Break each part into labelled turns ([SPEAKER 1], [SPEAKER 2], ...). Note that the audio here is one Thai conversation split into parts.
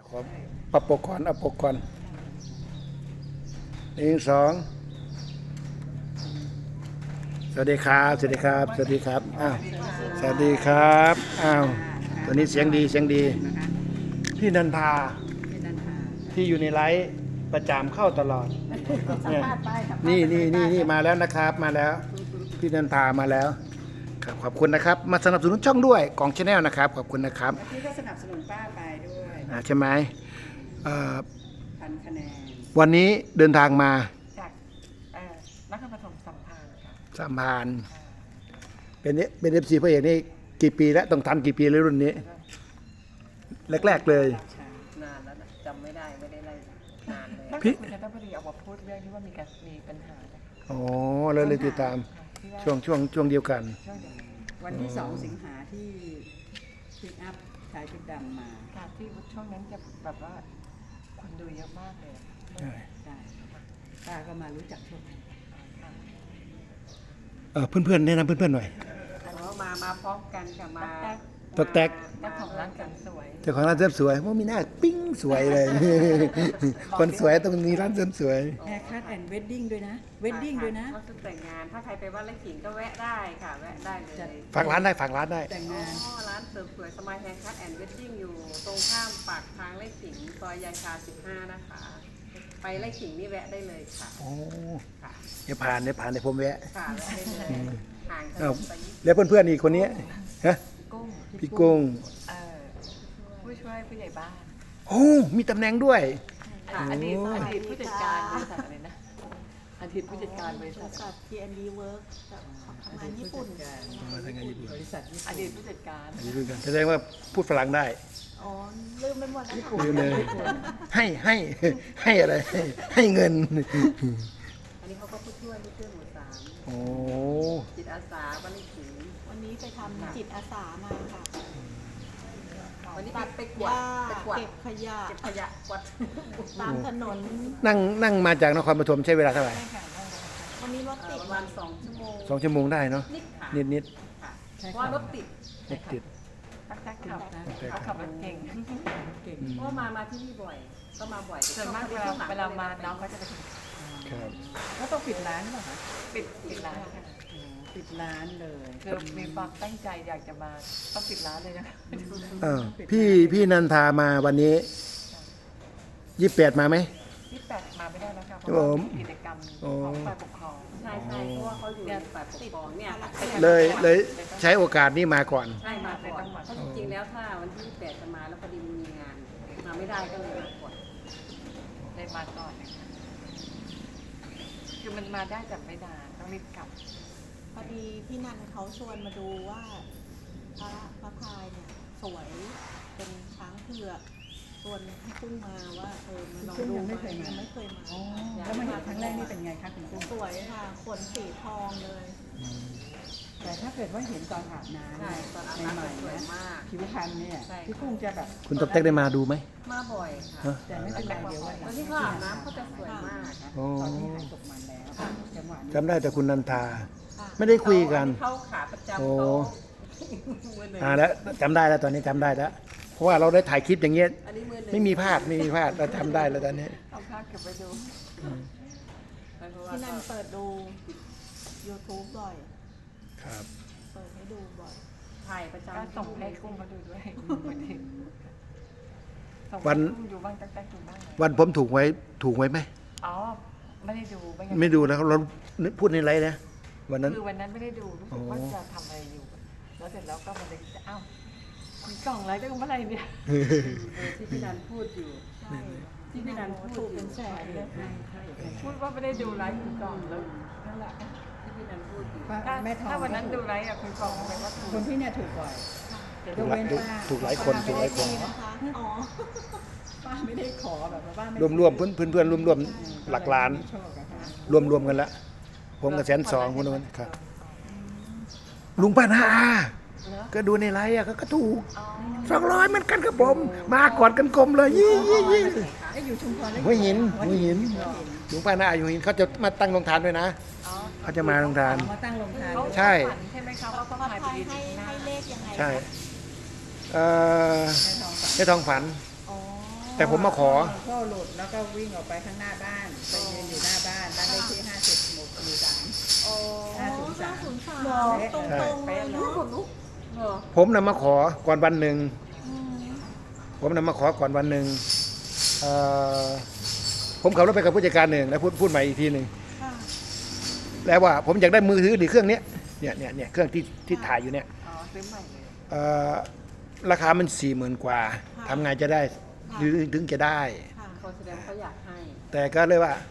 [SPEAKER 1] ขอปรับปกก่อนเอาปกก่อนหนึ่งสองสวัสดีครับสวัสดีครับสวัสดีครับอ้าวสวัสดีครับอ้าวตัวนี้เสียงดีเสียงดีพี่นันทาที่อยู่ในไลฟ์ประจำเข้าตลอดเนี่ยนี่มาแล้วนะครับมาแล้วพี่นันทามาแล้วครับขอบคุณนะครับมาสนับสนุนช่องด้วยกองชาแนลนะครับขอบคุณนะครับ
[SPEAKER 2] พี่ก็สนับสนุนป้าไปด้วย
[SPEAKER 1] ใช่ไหม
[SPEAKER 2] 1,000 คะแนน
[SPEAKER 1] วันนี้เดินทางมา
[SPEAKER 3] จากนครปฐมสัมพันธ์ค่ะ
[SPEAKER 1] สัมพันธ์เป็นFCพระเอกนี่กี่ปีแล้วต้องทันกี่ปีเลยรุ่นนี้แรกๆเลย
[SPEAKER 3] นานแล้วนะจำไม่ได้ไล่นานเลย
[SPEAKER 1] พี่
[SPEAKER 3] คุณจันทบุรีออกมาพูดเรื่องที่ว่ามีปัญหา
[SPEAKER 1] อ๋อเลยติดตามช่วงเดียวกัน
[SPEAKER 2] วันที่2 สิงหาที่พิกอัพชายชุดดำมา
[SPEAKER 3] ค่ะที่ช่วงนั้นจะแบบว่าคนดูเยอะมากเลย
[SPEAKER 1] ใช่
[SPEAKER 2] ป้าก็มารู้จักช่วง
[SPEAKER 1] เพื่อนๆแนะนำเพื่อนๆหน่อย
[SPEAKER 3] มาพร้อมกันค่ะมา
[SPEAKER 1] ตกแตก
[SPEAKER 3] เจ้าของร้านกันสวย
[SPEAKER 1] เจ้าของร้านเสริมสวยว่ามีหน้าปิ้งสวยเลยคนสวยต้องมีร้านเสริมสวย
[SPEAKER 2] แฮร์คัทแอนด์เวดดิ้งด้วยนะเวดดิ้งด้วยนะ
[SPEAKER 3] ก็คือแต่งงานถ้าใครไปวัดไร่ขิงก็แวะได้ค่ะแวะได้เลย
[SPEAKER 1] ฝากร้านได้
[SPEAKER 2] แต่งงาน
[SPEAKER 3] ร้านเสริมสวยสมายแฮร์คัทแอนด์เวดดิ้งอยู่ตรงข้ามปากทางไร่ขิงซอยยายชา15นะคะไปไร่ขิงนี่แวะได้เลยค่ะ
[SPEAKER 1] โอ้เนี่ยผ่านในผมแวะ
[SPEAKER 3] ค่ะแวะได้เลยห่างกันไป
[SPEAKER 1] แล้วเพื่อนๆอีกคนนี้ฮะพี่กุ้ง
[SPEAKER 3] ผู้ช่วยผู้ใหญ่บ้าน
[SPEAKER 1] โอ้มีตำแหน่งด้วย
[SPEAKER 3] อดีตผู้จัดการบริษัทอะไรนะอดีตผู้จัดการบริษัท
[SPEAKER 4] T&D Work ทำงานญี่ปุ่น
[SPEAKER 2] บริษัท
[SPEAKER 3] อดีตผู้จัดการ
[SPEAKER 1] แสดงว่าพูดฝรั่งได้
[SPEAKER 4] อ๋อลืมไปหมดแล้ว
[SPEAKER 1] ลืมเลยให้อะไรให้เงิน
[SPEAKER 3] อันนี้เขาก็ผู้ช่วยหมู่3
[SPEAKER 1] โอ้
[SPEAKER 3] จิตอาสาบ้านไร่ขิง
[SPEAKER 4] วันนี้ไปทำจิตอาสามาค่ะ
[SPEAKER 3] วันนี้ไปกวาด
[SPEAKER 4] เก็บขยะ
[SPEAKER 3] กวาด
[SPEAKER 4] ตามถนน
[SPEAKER 1] นั่งมาจากนครปฐมใช้เวลาเท่าไหร่
[SPEAKER 4] วันนี้รถติด
[SPEAKER 3] ประมาณ2 ชั่วโมง
[SPEAKER 1] 2 ชั่วโมงได้เนาะนิด
[SPEAKER 3] เพราะรถติดตักขับรถเก่งเพราะมาที่นี่บ่อยก็มาบ่อยส่วนมากเวลามาน้องก็จะไป
[SPEAKER 1] ครับ
[SPEAKER 2] แล้วต้องปิดร้านหรอคะ
[SPEAKER 3] ปิดร้านค่ะ
[SPEAKER 2] ปิดร้านเลย
[SPEAKER 3] คือมีความตั้งใจอยากจะมาต้องปิดร้านเลยนะ
[SPEAKER 1] พี่นันทามาวันนี้28มาไหม
[SPEAKER 3] 28มาไม่ได้แล้วค่ะเพราะว่ากิจกรรมของฝ่ายปกครองใช่เพราะว่าเขาอยู่ฝ่ายปกครองเนี่ย
[SPEAKER 1] เลยใช้โอกาสนี้มาก่อน
[SPEAKER 3] ใช่มาก่อนเพราะจริงๆแล้วถ้าวันที่28จะมาแล้วพอดีมีงานมาไม่ได้ก็เลยมาก่อนเลยมาก่อนคือมันมาได้แต่ไม่นานต้องรีบกลับ
[SPEAKER 4] พอดีพี่นันเขาชวนมาดูว่าพระพายเนี่ยสวยเป็นช้างเผือกชวนให้กุ้งมาว่ามาลองดู
[SPEAKER 2] ไม่เคยมาแล้วมาเห็นครั้งแรกนี่เป็นไงคะคุณกุ้ง
[SPEAKER 4] สวยค่ะขนสีทองเลย
[SPEAKER 2] แต่ถ้าเกิดว่าเห็นตอนอาบน้ำ
[SPEAKER 3] ตอนอาบน้ำสวยมาก
[SPEAKER 2] ผิวพรรณเนี่ยพี่กุ้งจะแบบ
[SPEAKER 1] คุณตบเต็กได้มาดูไหม
[SPEAKER 3] มาบ่อยค่ะ
[SPEAKER 2] แต่ไม่เป็นไรเดี๋ยว
[SPEAKER 3] วันที่เขาอาบน้ำเขาจะสวยมาก
[SPEAKER 2] ตอนที่หายตกมันแล้วจังหวะ
[SPEAKER 1] จำได้แต่คุณนันทาไม่ได้คุยกัน
[SPEAKER 3] เขาขาประจำ
[SPEAKER 1] เขาแล้วจำได้แล้วตอนนี้จำได้แล้วเพราะว่าเราได้ถ่ายคลิปอย่างเงี้ยไม่มีพลาดเราจำได้แล้วตอนนี้
[SPEAKER 3] เอาภาพเก็บไปดู
[SPEAKER 4] พี่นันเปิดดู YouTube บ่อย
[SPEAKER 1] ครับ
[SPEAKER 4] เปิดให้ดูบ่อย
[SPEAKER 3] ถ่ายประจำก็ส่งให้กุ้งมาดูด้วย
[SPEAKER 1] วันผมถูกไว้ไหม
[SPEAKER 3] อ๋อไม่ได้ดู
[SPEAKER 1] ไม่ดูแล้วเราพูดในไลฟ์นะวันนั้น
[SPEAKER 3] คือวันนั้นไม่ได้ดูรู้สึกว่าจะทำอะไรอยู่แล้วเสร็จแล้วก็มาเลยอ้าวคุณกล่องอะไรได้เมื่อไรเนี่ยที่พี่นันพูดอยู่ที่พี่นันพูด
[SPEAKER 4] เป็นแสนเลย
[SPEAKER 3] พูดว่าไม่ได้ดูไลฟ์คุณกล่องแล้วนั่นแหละที่พี่นันพูดอยู่ถ้าวันนั้นดูไลฟ์คุณกล่องแปลว่า
[SPEAKER 2] คนที่เนี่ยถูกบ่อย
[SPEAKER 1] ถูกหลายคน
[SPEAKER 4] นะคะอ๋อ
[SPEAKER 2] ป้าไม่ได้ขอแบบว่า
[SPEAKER 1] รวมเพื่อนรวมหลักล้านรวมกันละผมกับ120,000คนนั้นครับลุงป้านาก็ดูในไลฟ์ก็ถูก200เหมือนกันครับผมมากอดกันกลมเลยยี่
[SPEAKER 2] อยู่ชุมพร
[SPEAKER 1] หัวหินลุงป้านาอยู่หินเขาจะมาตั้งโรงทานด้วยนะเขาจะมาโรงทาน
[SPEAKER 2] มาตั้งโรงทาน
[SPEAKER 1] ใช่
[SPEAKER 3] ใช่ไหมคะว่าต้อง
[SPEAKER 4] ให้เลขยังไง
[SPEAKER 1] ใช่ในทองฝันแต่ผมมาขอ
[SPEAKER 2] โซ่หลุดแล้วก็วิ่งออกไปข้างหน้าบ้านไปยืนอยู่หน้าบ้านบ้านเลขที่50หมู่3
[SPEAKER 4] โอ้
[SPEAKER 2] 503
[SPEAKER 4] 503ตรงๆเลยเนาะ
[SPEAKER 3] เหรอ
[SPEAKER 1] ผมนำมาขอก่อนวันหนึ่งผมนำมาขอก่อนวันหนึ่งเอ่อผมขับรถไปกับผู้จัดการหนึ่งแล้วพูดใหม่อีกทีหนึ่ง
[SPEAKER 4] ค่ะ
[SPEAKER 1] แล้วว่าผมอยากได้มือถือดีเครื่องเนี้ยเนี่ยเครื่องที่ถ่ายอยู่เนี่ย
[SPEAKER 3] อ๋อซื้อใหม่เลย
[SPEAKER 1] เอ่อราคามัน40,000 กว่าทำไงจะได้หรือถึงจะได้
[SPEAKER 4] ค่ะ
[SPEAKER 3] คนแสดงเขาอยากให้
[SPEAKER 1] แต่ก็เลยว่า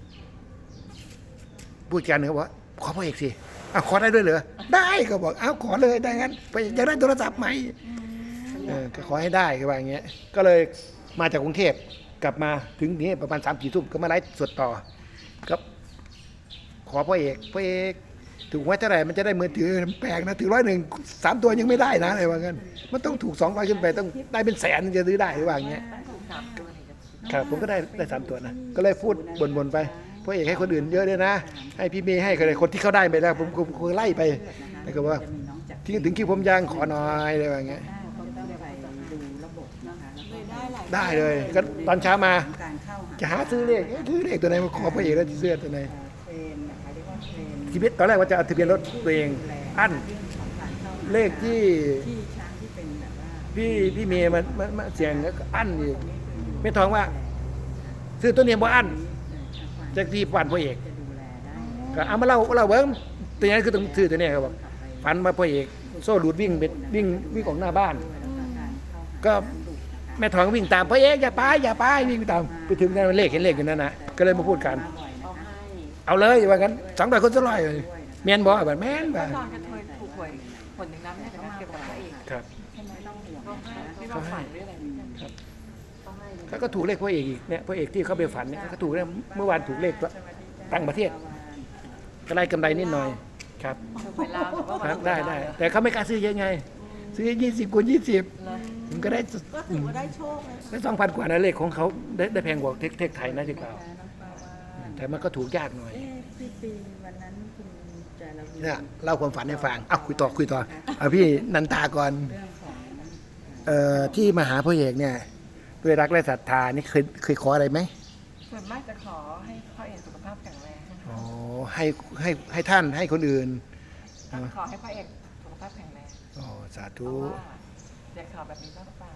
[SPEAKER 1] ผู้จัดการเขาบอกว่าขอพ่อเอกสิอ้าวขอได้ด้วยเหรอได้ก็บอกอ้าวขอเลยได้งั้นไปอยากได้โทรศัพท์ไหมก็ขอให้ได้ก็ว่าอย่างเงี้ยก็เลยมาจากกรุงเทพกลับมาถึงนี่ประมาณ3-4 ทุ่มก็มาไลฟ์สดต่อก็ขอพ่อเอกถูกไว้เท่าไหร่มันจะได้มือถือแปลกนะถือ101 3 ตัวยังไม่ได้นะอะไรว่างั้นมันต้องถูก200ขึ้นไปต้องได้เป็นแสนถึงจะซื้อได้หรือว่าอย่างเงี้ย
[SPEAKER 3] ตั้งถูก3 ตัวถึงจะ
[SPEAKER 1] ครับผมก็ได้3 ตัวนะก็เลยพูดบ่นๆไปพ่อเอกให้คนอื่นเยอะด้วยนะ ให้พี่เมย์ให้คนที่เขาได้ไปแล้วผมไล่ไปแล้วก็ว่า
[SPEAKER 2] จะมีน้องจาก
[SPEAKER 1] ถึงคิวผมยังขอหน่อยอะไรว่าอย่างเงี้ย
[SPEAKER 2] เขาต้องไปดูระบบนะคะแล้วก็
[SPEAKER 4] เลยได้หลาย
[SPEAKER 1] ได้เลยก็ตอนเช้ามา
[SPEAKER 2] การเข้าหา
[SPEAKER 1] จะหาซื้อเลขซื้อเลขตัวไหนมาขอพ่อเอกแล้วจะเสื้อตัวไหน
[SPEAKER 2] เทรนนะคะเรียกว่าเทรน
[SPEAKER 1] ชีวิตตอนแรกว่าจะเอาทะเบียนรถตัวเองอั้น
[SPEAKER 2] ของการเข้าหา
[SPEAKER 1] เลขที่
[SPEAKER 2] ที่ช้างที่เป็นแบบว่า
[SPEAKER 1] พี่เมย์มาเสียงแล้วก็อั้นอีกไม่ท้องว่า ซื้อตัวนี้บ่อั้นจากที่ฝันพ่อเอก
[SPEAKER 2] จะดูแลได้
[SPEAKER 1] ก็เอามาเล่าเบิ้งตัวนี้คือต้องซื้อตัวนี้ครับบอกฝันมาพ่อเอกโซ่หลุดวิ่งออกหน้าบ้าน ก็แม่ทองวิ่งตามพ่อเอกอย่าไปวิ่งตามไปถึงนั่นเลขเห็นเลขอยู่นั่นนะก็เลยมาพูดกัน
[SPEAKER 3] เอาให้
[SPEAKER 1] เอาเลยว่างั้น200 คน200เลยแม่นบ่แบบแม่นบ่
[SPEAKER 3] ตอนจะเคยถูกหวยผลหนึ่งน้ำเนี่ยนะเกี่ยวกับพระเอก
[SPEAKER 1] ครับ
[SPEAKER 2] ไม่ต้องห่วง
[SPEAKER 3] เขาให้ที่เราฝันด้วยอะไรเนี่ยเขาให้เลย
[SPEAKER 1] เขาก็ถูกเลขพ่อเอกอีกเนี่ยพ่อเอกที่เขาไปฝันเนี่ยเขาถูกเนี่ยเมื่อวานถูกเลขต่างประเทศก็ได้กำไรนิดหน่อยครับ
[SPEAKER 3] ถูกเวลาแต่ว่า
[SPEAKER 1] ครับได้แต่เขาไม่กล้าซื้อเยอะไงซื้อ20 คูณ 20ผมก็ได้
[SPEAKER 4] ก็ถือว่าได้โชคเลยค่ะ
[SPEAKER 1] ได้2,000 กว่านะเลขของเขาได้แพงกว่าเทคไทยนะที่เปล่าแต่มันก็ถูกยากหน่อย
[SPEAKER 2] ที่ปีวันนั้นคุณจาราวี
[SPEAKER 1] เนี่ยเล่าความฝันให้ฟังคุยต่อเอาพี่นันตาก่อน
[SPEAKER 2] เรื่องของ
[SPEAKER 1] ที่มาหาพ่อเอกเนี่ยด้วยรักและศรัทธานี่เคยขออะไรไหม
[SPEAKER 3] ส่วนมากจะขอให้พระเอกสุขภาพแข็งแรง
[SPEAKER 1] อ๋อให้ท่านให้คนอื่น
[SPEAKER 3] ขอให้พระเอกสุขภาพแข็งแรง
[SPEAKER 1] อ๋อสา
[SPEAKER 3] เพ
[SPEAKER 1] ธุ
[SPEAKER 3] ราะว่าอยากข่าวแบบนี้บ้างหรือเปล่า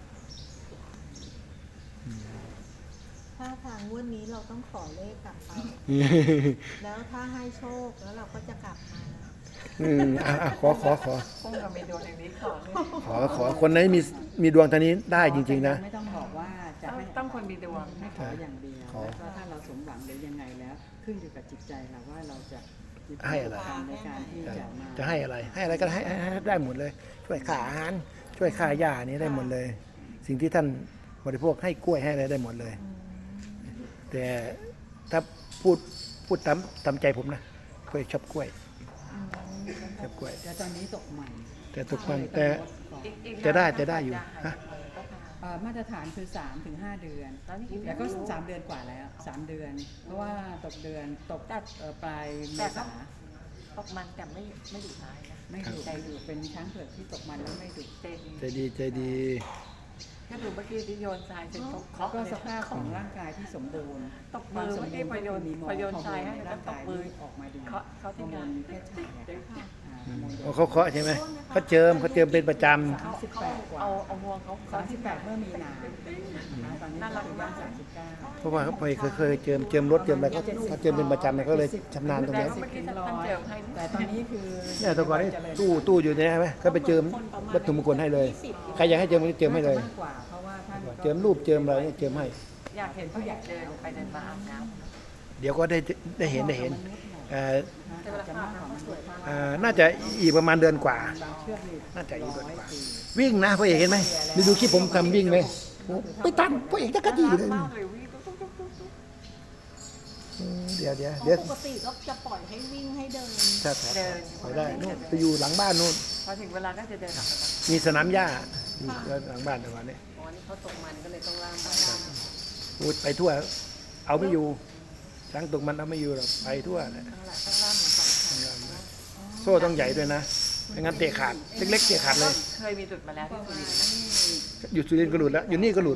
[SPEAKER 4] ถ้าทางงวดนี้เราต้องขอเลขกลับไป แล้วถ้าให้โชคแล้วเราก็จะกลับมา
[SPEAKER 1] ขอ
[SPEAKER 3] พุ่งกับเมนูอย่างนี้ขอเลย
[SPEAKER 1] ขอคนไหนมีดวงทางนี้ได้จริงๆนะ
[SPEAKER 2] ไม่ต้องบอกว่าจะให้
[SPEAKER 3] ต้องคนมีดวง
[SPEAKER 2] ให้ขออย่างเดียว
[SPEAKER 1] ขอ
[SPEAKER 2] แล้วก็ถ้าเราสมหวังหรือยังไงแล้ว ขึ้นอยู่กับจิตใจเราว่าเราจะมี
[SPEAKER 1] ให้อะไร
[SPEAKER 2] ความในการที่จะมา
[SPEAKER 1] จะให้อะไรก็ให้ได้หมดเลย ช่วยค่าอาหารช่วยค่าหญ้านี้ได้หมดเลย สิ่งที่ท่านบริโภคให้กล้วยให้อะไรได้หมดเลย แต่ถ้าพูดตามใจผมนะกล้วยชอบกล้วยชอบกล้วย
[SPEAKER 2] แต่ตอนนี้ตกใหม่
[SPEAKER 1] แต่ทุกวันแต่
[SPEAKER 3] อีก
[SPEAKER 1] จะได้อยู่ฮะ
[SPEAKER 2] มาตรฐานคือ 3-5 เดือน
[SPEAKER 3] ตอนนี้
[SPEAKER 2] แล้วก็ 3 เดือนกว่าแล้ว 3 เดือน เพราะว่าตกเดือนตกปลายเมษา
[SPEAKER 3] ตกมันแต่ไม่ดุร้ายนะ
[SPEAKER 2] ไม่ดุใจดุเป็นช้างเผือกที่ตกมันแล้วไม่ดุ
[SPEAKER 1] ใจดี
[SPEAKER 3] ก็ดูเมื่อกี้ที่โยนทรายเสร็จเขา
[SPEAKER 2] แล้วก็สภาพของร่างกายที่สมบูรณ์
[SPEAKER 3] ตบมือเมื่อกี้พโยน
[SPEAKER 2] มี
[SPEAKER 3] พโยนทรายให้
[SPEAKER 2] ใน
[SPEAKER 3] แล้ว
[SPEAKER 2] ร่าง
[SPEAKER 3] ต
[SPEAKER 2] กา
[SPEAKER 3] บ
[SPEAKER 2] ย
[SPEAKER 3] มือ
[SPEAKER 2] ออกมาดี
[SPEAKER 3] เขาที่
[SPEAKER 2] ฮอร์โม
[SPEAKER 3] งาน
[SPEAKER 2] นเพศชาย
[SPEAKER 1] เขาเคาะใช่ไหมเขาเจิมเป็นประจ
[SPEAKER 3] เขาเอางวงเขาที่แบบ
[SPEAKER 2] 38เมื่อมีนาตอนนี้ก็คือย่าง39
[SPEAKER 1] ำเพราะว่าเขาเคยเจิมรถเจิมอะไรเขาเจิมเป็นประจำเนี่ยเขาเลยชำนาญตรงนี้
[SPEAKER 3] เมื่อกี้ท่านเจิมให้
[SPEAKER 2] แต่ตอนนี้คือ
[SPEAKER 1] เนี่ยแตะก่อนนี่ตู้อยู่เนี่ยใช่ไหมเขาไปเจิมวัตถุมงคลให้เลย ใครอยากให้เจิมก็เจิมให้เลย
[SPEAKER 2] มากกว่าเพราะว่าท่านก็
[SPEAKER 1] เจิมรูปเจิมอะไรเนี่ยเจิมให้
[SPEAKER 3] อยากเห็นผู้ใหญ่เดินไปเดินมาอาบน้
[SPEAKER 1] เดี๋ยวก็ได้เห็นเอ่อ
[SPEAKER 3] ำแต่เวลาอาบน้ำเขาสวยมาก
[SPEAKER 1] น่าจะอีกประมาณเดือนกว่า
[SPEAKER 2] บางเชือกนี่
[SPEAKER 1] น่าจะอีกเดือนกว่า วิ่งนะพ่อเอกเห็นไหมดูคลิปผมทำวิ่งไหมไปตันพ่อเอกจะกระดีเลย
[SPEAKER 3] มากเลยวิ่งตุ๊ก
[SPEAKER 1] เดี๋ยว
[SPEAKER 4] ปกติก็จะปล่อยให้วิ่งให้เดิน
[SPEAKER 1] ถ้าไปได้นู่นไปอยู่หลังบ้านนู่น
[SPEAKER 3] พอถึงเวลาก็จะเดินออกมา
[SPEAKER 1] มีสนามหญ้าอยู่หลังบ้านแต่วันนี้
[SPEAKER 3] อ๋อนี่เขาตกมันก็เลยต้องล่าม
[SPEAKER 1] พูดไปทั่ว เอาไม่อยู่ช้างตกมันเอาไม่อยู่หรอกไปทั่วเลย
[SPEAKER 3] ต้องล่ามเหมือนกัน
[SPEAKER 1] โซ่ต้องใหญ่ด้วยนะไม่งั้นเตะขาดเล็กๆเตะขาดเลย
[SPEAKER 3] เคยมีจุดมาแล้วที่สุรินทร์นะ
[SPEAKER 1] อยู่สุรินทร์ก็หลุดแล้วอยู่นี่ก็หลุด
[SPEAKER 2] ไม้
[SPEAKER 3] เหรอ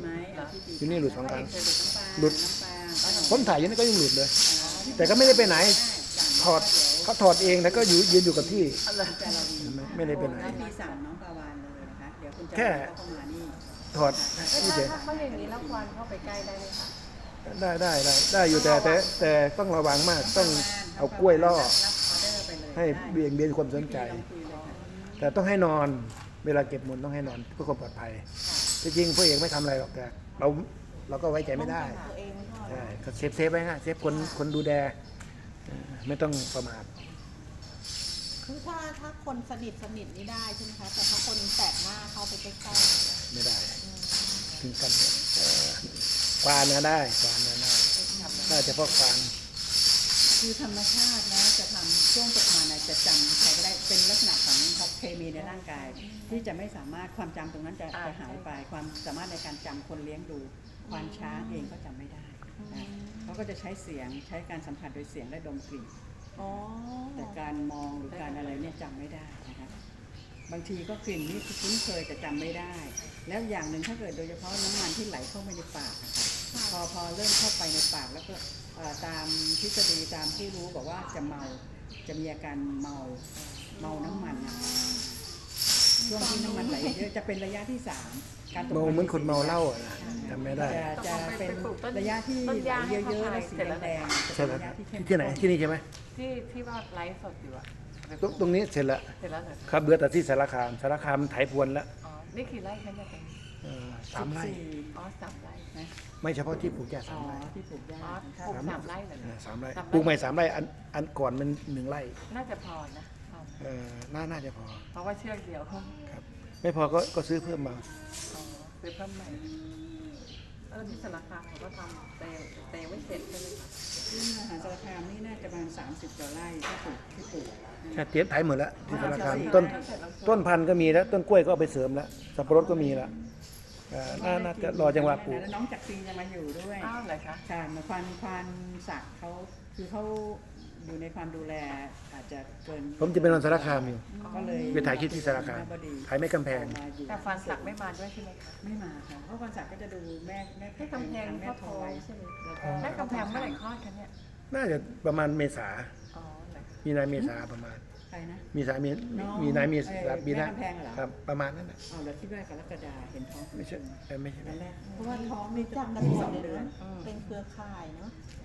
[SPEAKER 1] อยู่นี่หลุด2 ครั้ง
[SPEAKER 2] เคยหลุดน้ำปลา
[SPEAKER 1] หลุด
[SPEAKER 2] น้ำปลา
[SPEAKER 1] ผมถ่ายอยู่นี่ก็ยังหลุดเลย แต่ก็ไม่ได้ไปไหนถอดเขาถอดเองแล้วก็ยืนอยู่กับที่
[SPEAKER 2] จาราวี
[SPEAKER 1] ไม่ได้ไปไหน
[SPEAKER 2] ให้พี่สั่งน้องปลาวานเลยนะคะเดี๋ยวคุณจะ
[SPEAKER 1] แค่
[SPEAKER 2] เข้ามานี่
[SPEAKER 1] ถอด
[SPEAKER 3] ถ้า
[SPEAKER 1] นี่เฉย
[SPEAKER 3] เขาอย่างนี้แล้วควันเข้าไปใกล้ได้ไหมคะ
[SPEAKER 1] ได้อยู่แต่ต้องระวังมากต้องเอากล้วยล่อ
[SPEAKER 2] รับออเดอร์ไปเลย
[SPEAKER 1] ให้เบี่ยงเบนความสนใจ
[SPEAKER 2] ลองคุยเลยค่ะ
[SPEAKER 1] แต่ต้องให้นอนเวลาเก็บมูลต้องให้นอนเพื่อความปลอดภัยที่จริงพวกเอกไม่ทำอะไรหรอกแต่เราก็ไว้ใจไม่ได้
[SPEAKER 4] ป้องกันตัวเองไม่พอ
[SPEAKER 1] ใช่ก็เซฟไว้ฮะเซฟคนดูแลไม่ต้องประมาท
[SPEAKER 4] คือถ้าคนสนิทนี่ได้ใช่ไหมคะ แต่ถ้าคนแปลกหน้าเข้าไปใกล้
[SPEAKER 1] ไม่ได้ถึงกันควานนะได้ควานนะได้เฉพาะควาน
[SPEAKER 2] คือธรรมชาตินะจะทำช่วงตกมันจะจำใครก็ได้เป็นลักษณะของเคมีในร่างกาย ที่จะไม่สามารถความจำตรงนั้นจะหายไปความสามารถในการจำคนเลี้ยงดูควานช้างเองก็จำไม่ได้นะเขาก็จะใช้เสียงใช้การสัมผัสโดยเสียงและดมกลิ่น
[SPEAKER 4] ๆอ๋อ
[SPEAKER 2] แต่การมองหรือการอะไรเนี่ยจำไม่ได้นะคะบางทีก็กลิ่นนี่คุ้นเคยแต่จำไม่ได้ แล้วอย่างหนึ่งถ้าเกิดโดยเฉพาะน้ำมันที่ไหลเข้าไปในปากนะคะพอเริ่มเข้าไปในปากแล้วก็ตามทฤษฎีตามที่รู้บอกว่าจะเมาจะมีอาการเมาน้ำมันนะช่วงที่น้ำมันไหลเยอะจะเป็นระยะที่สามการตก
[SPEAKER 1] เมาเหมือนคนเมาเหล้าอะนะจำไม่ได้
[SPEAKER 2] จะเป็นระยะที่ไหลเยอะๆและสีแดงๆ
[SPEAKER 1] ใช่ไหม
[SPEAKER 2] ระยะที่เข้ม
[SPEAKER 1] ที่ไหนที่นี่ใช่ไหม
[SPEAKER 3] ที่ว่าไลฟ์สดอยู่อะ
[SPEAKER 1] ตรงนี้เสร็จแล้ว
[SPEAKER 3] เสร็จแล้วเหรอ
[SPEAKER 1] ครับเหลือแต่ที่สารคามไถพรวนแล้ว
[SPEAKER 3] อ๋อนี่กี่ไร่คะเนี่ยตรงนี้
[SPEAKER 1] 3 ไร่
[SPEAKER 3] อ๋อ3 ไร่
[SPEAKER 2] นะ
[SPEAKER 1] ไม่เฉพาะที่ปลูกแก่
[SPEAKER 2] อ๋อ
[SPEAKER 1] 3 ไร่
[SPEAKER 2] ที่ปลูกหญ้า
[SPEAKER 3] อ๋อ
[SPEAKER 2] ค่ะ
[SPEAKER 3] ปลูก3 ไร่เลยนะ
[SPEAKER 1] 3 ไร่
[SPEAKER 3] 3 ไร่
[SPEAKER 1] ปลูกใหม่3 ไร่อันก่อนมัน1 ไร่
[SPEAKER 3] น่าจะพอนะพอ
[SPEAKER 1] น่าจะพอ
[SPEAKER 3] เพราะว่าเชือกเดียวเขา
[SPEAKER 1] ครับไม่พอก็ซื้อเพิ่มมา
[SPEAKER 3] อ๋อซื้อเพิ่มใหม่ที่สารคามเขาก็ทำแต่ยังไม่เสร็จใช่ไหมคะ
[SPEAKER 2] ที่มหาสารคามนี่น่าจะประมาณ30 กว่าไร่ที่ปลูก
[SPEAKER 1] แค่เตรียมไถหมดแล้วที่สารคามต้นพันธุ์ก็มีแล้วต้นกล้วยก็เอาไปเสริมแล้วสับปะรดก็มีแล้วน่าจะรอจังหวะปลูก
[SPEAKER 2] แล้วน้องจักรีจะมาอยู่ด้วย
[SPEAKER 3] อ้าวเหรอคะ
[SPEAKER 2] ค่ะมาควานศักดิ์เขาคือเขาอยู่ในความดูแลอาจจะเกิน
[SPEAKER 1] ผมจะไปนอนสารคามอยู่
[SPEAKER 2] ก็เลย
[SPEAKER 1] ไปถ่ายคลิปที่สารคาม
[SPEAKER 2] บดี
[SPEAKER 1] ถ่ายไม่กำแพง
[SPEAKER 2] มาอยู่
[SPEAKER 3] แต่ฟันสักไม่มาด้วยใช่ไหมคะ
[SPEAKER 2] ไม่มาค่ะเพราะควานศักดิ์ก็จะดูแม่
[SPEAKER 3] ให้กำแพง
[SPEAKER 2] แม่
[SPEAKER 3] พ่อ
[SPEAKER 2] ท
[SPEAKER 3] โพ
[SPEAKER 2] อย
[SPEAKER 3] ใช่ไหม
[SPEAKER 2] แล้วก็
[SPEAKER 3] แม่กำแพงเมื่อไหร่คลอดคะเนี่ย
[SPEAKER 1] น่าจะประมาณเมษา
[SPEAKER 3] อ๋อเหรอ
[SPEAKER 1] มีนาเมษาประมาณ
[SPEAKER 2] ใครนะ
[SPEAKER 1] มีนา
[SPEAKER 2] น้อง
[SPEAKER 1] มีนามี
[SPEAKER 2] แม่กำแพงเหรอ
[SPEAKER 1] ครับประมาณนั้นนะ
[SPEAKER 2] เอาแล้วที่ว่ากรกฎาเห็นท้อง
[SPEAKER 1] ไม่ใช่ไม่ใช่
[SPEAKER 2] ตอนแรกเพราะว่าท้องนี่
[SPEAKER 4] รู้
[SPEAKER 2] จะ
[SPEAKER 4] จัก
[SPEAKER 2] ต้อง
[SPEAKER 4] กันหมด
[SPEAKER 2] 12
[SPEAKER 4] เล
[SPEAKER 2] เดื
[SPEAKER 4] ย
[SPEAKER 2] อน
[SPEAKER 4] นะเป็นเครือข่ายเนาะ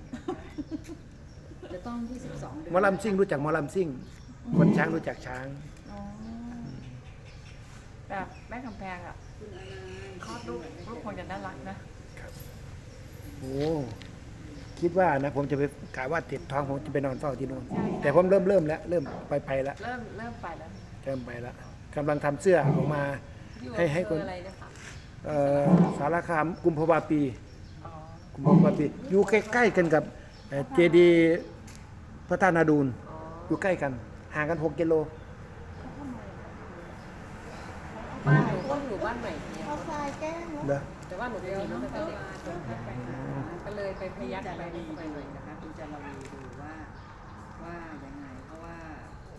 [SPEAKER 2] จะต้อง22 เดือน
[SPEAKER 1] หมอลำซิ่งรู้จักหมอลำซิ่งคนช้างรู้จักช้าง
[SPEAKER 4] อ๋อ
[SPEAKER 3] แต่แม่กำแพงอ่ะคลอดลูกคงจะน่ารักนะ
[SPEAKER 1] โอ้คิดว่านะผมจะไปกะว่าติดท้องผมจะไปนอนเฝ้าที่นู่นแต่ผมเริ่มแล้วเริ่มไปแล้ว
[SPEAKER 3] เริ่มไปแล้ว
[SPEAKER 1] เริ่มไปแล้วกำลังทำเสื้อออกมา
[SPEAKER 3] อยู่
[SPEAKER 1] ให้คน
[SPEAKER 3] อะไรนะคะ
[SPEAKER 1] สารคามกุมภาวาปี
[SPEAKER 3] อ๋อ
[SPEAKER 1] กุมภาวาปีอยู่ใกล้ๆกันกับเจดีย์พระธาตุนาดูล
[SPEAKER 3] อ๋อ
[SPEAKER 1] อยู่ใกล้กันห่างกัน6 กิโล
[SPEAKER 3] บ้านหนูก็อยู่บ้านใหม่เนี่ย
[SPEAKER 4] เอาทรายแกล้งเนาะ
[SPEAKER 1] เด้อ
[SPEAKER 3] แต่ว่าหนูจะมีน้องแต่เด็กก็เลยไปพยัก
[SPEAKER 2] จา
[SPEAKER 3] ไป
[SPEAKER 2] ราวี
[SPEAKER 3] ไป
[SPEAKER 2] ดู
[SPEAKER 3] หน่อย
[SPEAKER 2] นะคะคุณจาราวีดูว่ายังไงเพราะว่า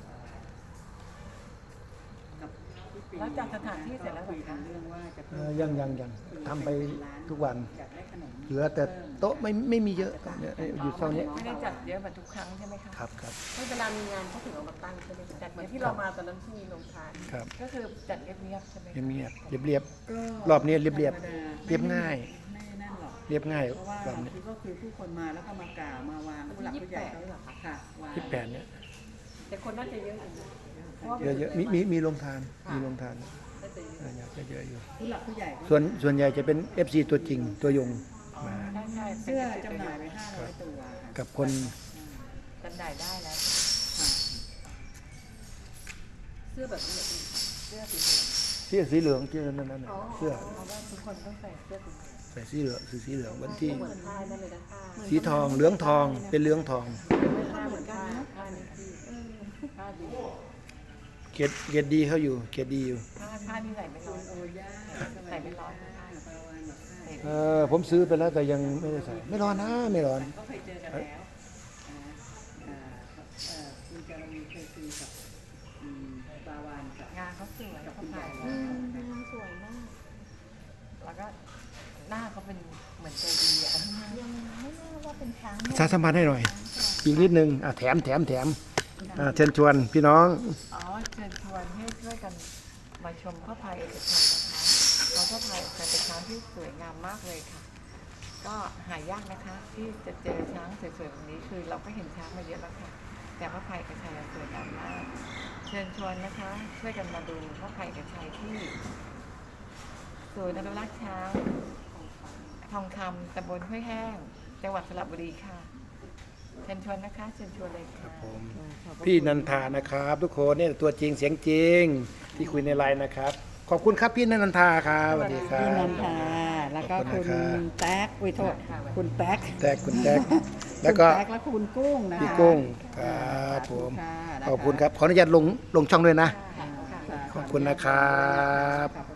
[SPEAKER 2] กับพี่ปี
[SPEAKER 3] แล้วจัดสถานที่เสร็จแล้วเหร
[SPEAKER 2] คุ
[SPEAKER 3] อย
[SPEAKER 2] กั
[SPEAKER 3] คะ
[SPEAKER 2] นเรื่องว่าจะ
[SPEAKER 1] ยังทำไปทุกวัน
[SPEAKER 2] อยากได้ขนม
[SPEAKER 1] เหลือแต่โต๊ะไม่มีเยอะเนี่ยอยู่เท่านี้
[SPEAKER 3] ไม่ได้จัดเยอะเหมือนทุกครั้งใช่ไหมคะ
[SPEAKER 1] ครับ
[SPEAKER 3] ไม่เวลามีงานเขาถึงเอามาตั้งใช่ไหมคะจัดเหมือนที่เรามาตอนนั้นที่มีโรงทาน
[SPEAKER 1] ครับ
[SPEAKER 3] ก็คือจัดเงียบๆใช่ไหม
[SPEAKER 1] เงียบๆเรียบ
[SPEAKER 2] ก็
[SPEAKER 1] รอบนี้เรียบๆ
[SPEAKER 2] ธรรมดา
[SPEAKER 1] เรียบง่าย
[SPEAKER 2] ไม่นั่นหรอก
[SPEAKER 1] เรียบง่าย
[SPEAKER 2] เพราะว่า
[SPEAKER 1] แบบนี้
[SPEAKER 2] คือก็คือผู้คนมาแล้วก็มากล่าวมาวางผู้หลักผู้ใหญ่เขาค่ะวาง
[SPEAKER 1] 28เนี่ย
[SPEAKER 3] แต่คนน่าจะเยอะอยู่นะเพราะว่า
[SPEAKER 1] เยอะๆมีโรงทานมีโรงทาน
[SPEAKER 3] น่าจะเยอะ
[SPEAKER 1] อยากจะเยอะอยู่
[SPEAKER 2] ผู้หลักผู้ใหญ่ก็
[SPEAKER 1] ส่วนใหญ่จะเป็น FC ตัวจริงตัวยงมา
[SPEAKER 3] ใช่
[SPEAKER 2] เสื้อจำหน่ายไป500 ตัวค่ะ
[SPEAKER 1] กับคน
[SPEAKER 3] จำหน่ายได้แล้ว
[SPEAKER 2] ค่ะ
[SPEAKER 3] เสื้อแบบนี้เสื้อสีเหลือง
[SPEAKER 1] เสื้อสีเหลืองชื่อนั่นน่ะเสื้อ
[SPEAKER 3] เพราะว่าทุกคนต้องใส่เสื้อสีเหลือง
[SPEAKER 1] ใส่สีเหลืองสีเหลืองวันที่
[SPEAKER 3] เหมือนผ้านั่นเลยนะผ้า
[SPEAKER 1] สีทองเหลืองทองเป็นเหลืองทอง
[SPEAKER 3] ผ้าเหมือนผ้าผ้านี่ที่ผ้าดี
[SPEAKER 1] เกียรติดีเขาอยู่เกียรติดีอยู่
[SPEAKER 3] ผ้านี่ใส่ไม่ร้อน
[SPEAKER 2] โอ้ย่า
[SPEAKER 3] ใส่ไม่ร้อนนะ
[SPEAKER 2] ปาวานบอกให้
[SPEAKER 1] ผมซื้อไปแล้วแต่ยังไม่ได้ใส่ไม่ร้อนนะไม่ร้อน
[SPEAKER 2] ก็เคยเจอกันแล้วคุณจาราวีเคยคุยกับปาวานกับ
[SPEAKER 3] งานเขาสวยเขา
[SPEAKER 2] คุณใหญ่
[SPEAKER 3] ถ่าย
[SPEAKER 4] งานสวยมาก
[SPEAKER 3] แล้วก็อะไรหน้าเขาเป็นเหมือนใจดีอะ
[SPEAKER 4] ยังไม่แน่ว่าเป็นช้าง
[SPEAKER 1] ประชาสัมพันธ์ให้หน่อย อีกนิดนึงแถมเชิญชวนพี่น้อง
[SPEAKER 3] อ๋อเชิญชวนให้ช่วยกันมาชมพระพายเอกชัยนะคะเพราะพระพายเอกชัยเป็นช้างที่สวยงามมากเลยค่ะ ก็หายากนะคะที่จะเจอช้างสวยๆแบบนี้คือเราก็เห็นช้างมาเยอะแล้วค่ะ แต่พระพายเอกชัยสวยงามมาก เชิญชวนนะคะช่วยกันมาดูพระพายเอกชัยที่ศูนย์อนุรักษ์ช้างทองคำตำบลห้วยแห้งจังหวัดสระบุรีค่ะเชิญชวนนะคะเชิญชวนเลยค่ะ
[SPEAKER 1] พี่นันทานะครับ ทุกคนเนี่ยตัวจริงเสียงจริงที่คุยในไลน์นะครับ ขอบคุณครับพี่นันทาครับสวัสดีครับ
[SPEAKER 2] พี่นันทาแล้วก็
[SPEAKER 1] ขอบคุ
[SPEAKER 2] คุณ
[SPEAKER 1] ณนะครับ
[SPEAKER 2] แต๊กวิโทษคุณแต๊ก
[SPEAKER 1] คุณแท็กแล้วก็
[SPEAKER 2] คุณแต๊กและคุณกุ้งนะคะ
[SPEAKER 1] พี่กุ้งครับผม
[SPEAKER 2] ค่ะ
[SPEAKER 1] ขอบคุณครับ ขออนุญาตลงช่องด้วยนะ
[SPEAKER 2] ค่ะ
[SPEAKER 1] ขอบคุณนะครับ
[SPEAKER 2] ขอบ